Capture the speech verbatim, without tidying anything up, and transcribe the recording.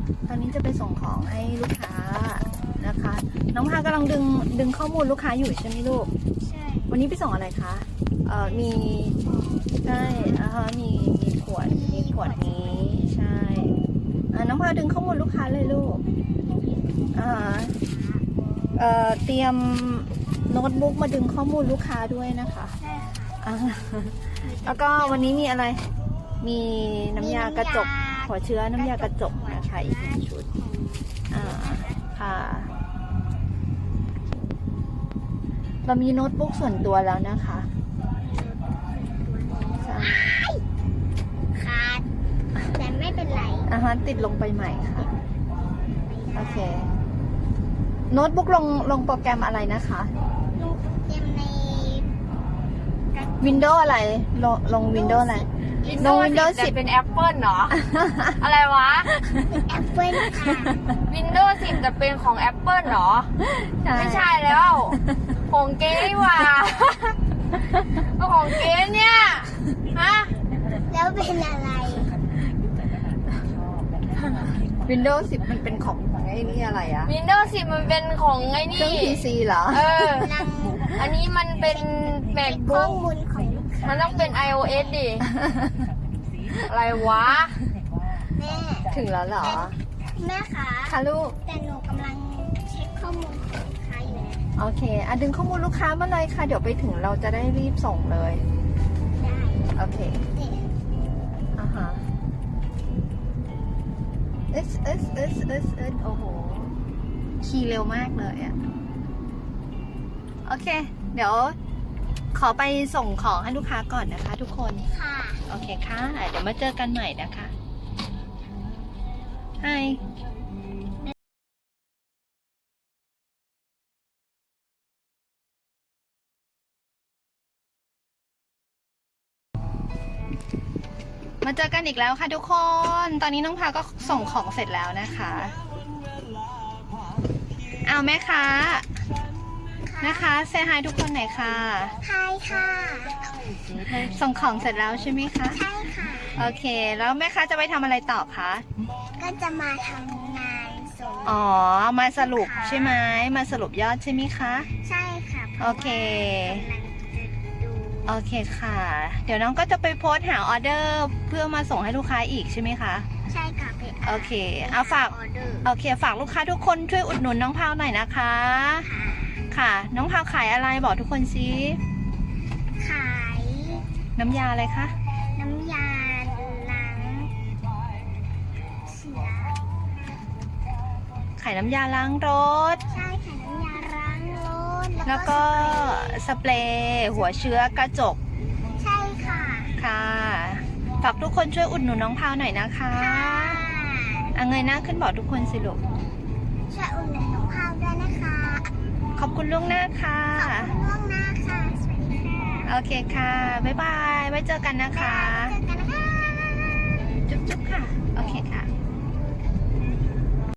ตอนนี้จะไปส่งของให้ลูกค้านะคะ น้องพากำลังดึงดึงข้อมูลลูกค้าอยู่ใช่ไหมลูกใช่วันนี้ไปส่งอะไรคะเอ่อมีใช่อ่าฮะมีมีขวดมีขวดนี้ใช่อ่าน้องพาดึงข้อมูลลูกค้าเลยลูกอ่าเอ่อเตรียมโน้ตบุ๊กมาดึงข้อมูลลูกค้าด้วยนะคะใช่ค่ะอ่าแล้วก็วันนี้มีอะไรมีน้ำยากระจกหัวเชื้อน้ำยากระจกนะคะอีกหนึ่งชุดอ่าค่ะเรามีโน้ตบุ๊กส่วนตัวแล้วนะคะใช่ขาดแต่ไม่เป็นไรอ่าฮะติดลงไปใหม่ค่ะโอเคโน้ตบุ๊กลงลงโปรแกรมอะไรนะคะลงโปรแกรมใน Windows อะไรลงลง Windows อะไรลง Windows สิบเป็น Apple เหรอ อะไรวะแอปเปิลค่ะ Windows สิบจะเป็นของ Apple เหรอ ไม่ใช่แล้วของเก๊นี่หว่าของเก๊เนี่ยฮะแล้วเป็นอะไร Windows สิบมันเป็นของไอ้นี่อะไรอะ Windows สิบมันเป็นของไอ้เครื่องนี่พี ซี เหรอเอออันนี้มันเป็นข้อ MacBook มูลของลูกค้ามันต้องเป็น iOS ดิ อะไรวะแม่ถึงแล้วเหรอแม่คะค่ะลูกแต่หนูกำลังเช็คข้อมูลของลูกค้าอยู่นะโอเคอ่ะดึงข้อมูลลูกค้ามาเลยค่ะเดี๋ยวไปถึงเราจะได้รีบส่งเลยได้โอเคเนี่ยอ่าฮะเอสเอสเอสเอสเอสโอ้โหขี่เร็วมากเลยอ่ะโอเคเดี๋ยวขอไปส่งของให้ลูกค้าก่อนนะคะทุกคนค่ะโอเคค่ะเดี๋ยวมาเจอกันใหม่นะคะ Hi มาเจอกันอีกแล้วค่ะทุกคน ตอนนี้น้องพาก็ส่งของเสร็จแล้วนะคะเอาแม่ค้านะคะเซฮายทุกคนหน่อยค่ะใช่ค่ะส่งของเสร็จแล้วใช่ไหมคะใช่ค่ะโอเคแล้วแม่ค้าจะไปทำอะไรต่อคะก็จะมาทำงานส่งอ๋อมาสรุปใช่ไหมมาสรุปยอดใช่ไหมคะใช่ค่ะโอเคกำลังจะดูโอเคค่ะเดี๋ยวน้องก็จะไปโพสต์หาออเดอร์เพื่อมาส่งให้ลูกค้าอีกใช่ไหมคะใช่ค่ะไปโอเคเอาฝากโอเคฝากลูกค้าทุกคนช่วยอุดหนุนน้องพาวหน่อยนะคะค่ะน้องพาวขายอะไรบอกทุกคนซิขายน้ำยาอะไรคะน้ำยาล้างเสียขายน้ำยาล้างรถใช่ค่ะน้ำยาล้างรถแล้วก็สเปรย์หัวเชื้อกระจกใช่ค่ะค่ะฝากทุกคนช่วยอุดหนุนน้องพาวหน่อยนะคะเอาเงยหน้าขึ้นบอกทุกคนสิลูกช่วยอุดหนุนน้องพาวด้วยนะคะขอบคุณล่วงหน้าค่ะขอบคุณล่วงหน้าค่ะสวัสดีค่ะโอเคค่ะบ๊ายบายไว้เจอกันนะคะ